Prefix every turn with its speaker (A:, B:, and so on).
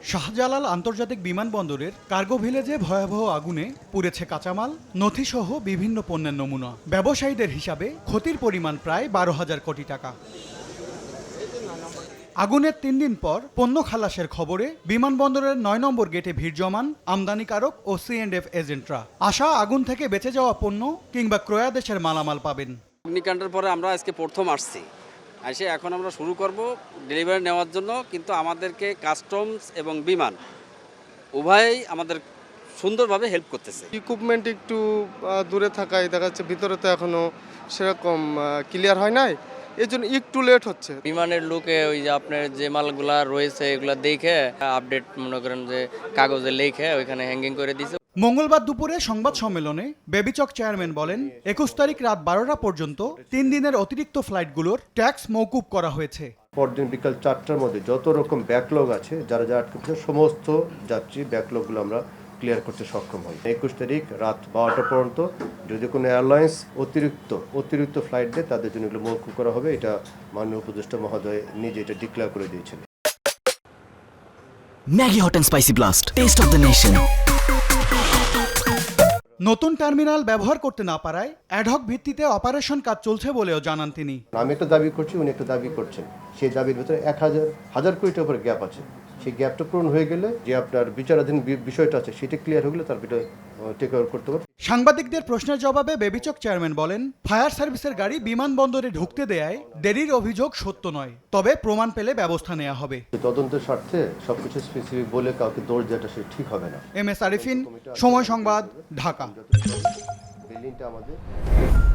A: শাহজালাল আন্তর্জাতিক বিমানবন্দরের কার্গো ভিলেজে ভয়াবহ আগুনে পুড়েছে কাঁচামাল, নথিসহ বিভিন্ন পণ্যের নমুনা। ব্যবসায়ীদের হিসাবে ক্ষতির পরিমাণ প্রায় 12,000 কোটি টাকা। আগুনের 3 দিন পর পণ্য খালাসের খবরে বিমানবন্দরের 9 নম্বর গেটে ভিড় জমান আমদানিকারক ও C&F এজেন্টরা। আশা আগুন থেকে বেঁচে যাওয়া পণ্য কিংবা ক্রয়াদেশের মালামাল পাবেন।
B: অগ্নিকাণ্ডের পরে আমরা আজকে প্রথম আসছি, এসে এখন আমরা শুরু করব ডেলিভারি নেওয়ার জন্য। কিন্তু আমাদেরকে কাস্টমস এবং বিমান উভয়ই আমাদের সুন্দরভাবে হেল্প করতেছে।
C: ইকুইপমেন্ট একটু দূরে থাকায় দেখা যাচ্ছে, ভিতরে তো এখনো সেরকম ক্লিয়ার হয় নাই, এর জন্য একটু লেট হচ্ছে।
D: বিমানের লুকে ওই যে আপনার যে মালগুলা রয়েছে এগুলো দেখে আপডেট মনে করেন যে কাগজে লিখে ওইখানে হ্যাঙ্গিং করে দিয়েছে।
A: মঙ্গলবার দুপুরে সংবাদ সম্মেলনে বেবিচক চেয়ারম্যান বলেন, 21 তারিখ রাত 12টা পর্যন্ত 3 দিনের অতিরিক্ত ফ্লাইটগুলোর ট্যাক্স মওকুফ করা হয়েছে।
E: পরদিন বিকাল 4টার মধ্যে যত রকম ব্যাকলগ আছে, যারা আটকে পড়েছে সমস্ত যাত্রী ব্যাকলগগুলো আমরা ক্লিয়ার করতে সক্ষম হই। 21 তারিখ রাত 12টা পর্যন্ত যদি কোনো এয়ারলাইন্স অতিরিক্ত ফ্লাইট দেয়, তাদের জন্য এগুলো মওকুফ করা হবে। এটা মাননীয় উপদেষ্টা মহোদয় নিজে এটা ডিক্লেয়ার করে দিয়েছেন।
F: Maggi hot and spicy blast, taste of the nation.
A: নতুন টার্মিনাল ব্যবহার করতে না পারায় অ্যাডহক ভিত্তিতে অপারেশন কাজ চলছে বলেও জানান তিনি।
E: আমি একটা দাবি করছি, উনি একটা দাবি করছেন, সেই দাবির ভিতরে 1,000 কোটি টাকার উপরে গ্যাপ আছে। সেই গ্যাপটা পূরণ হয়ে গেলে যে আপনার বিচারাধীন বিষয়টা আছে সেটা ক্লিয়ার হয়ে গেলে তার ভিতরে টেক ওভার করতে পারবে।
A: সাংবাদিকদের প্রশ্নের জবাবে বেবিচক চেয়ারম্যান বলেন, ফায়ার সার্ভিসের গাড়ি বিমানবন্দরে ঢুকতে দেয়ায় দেরির অভিযোগ সত্য নয়, তবে প্রমাণ পেলে ব্যবস্থা নেওয়া হবে।
E: তদন্তের স্বার্থে সবকিছু স্পেসিফিক বলে কাউকে দোষ দেওয়াটা সে ঠিক হবে না।
A: MS আরিফিন, সময় সংবাদ, ঢাকা।
E: বিল্ডিংটা আমাদের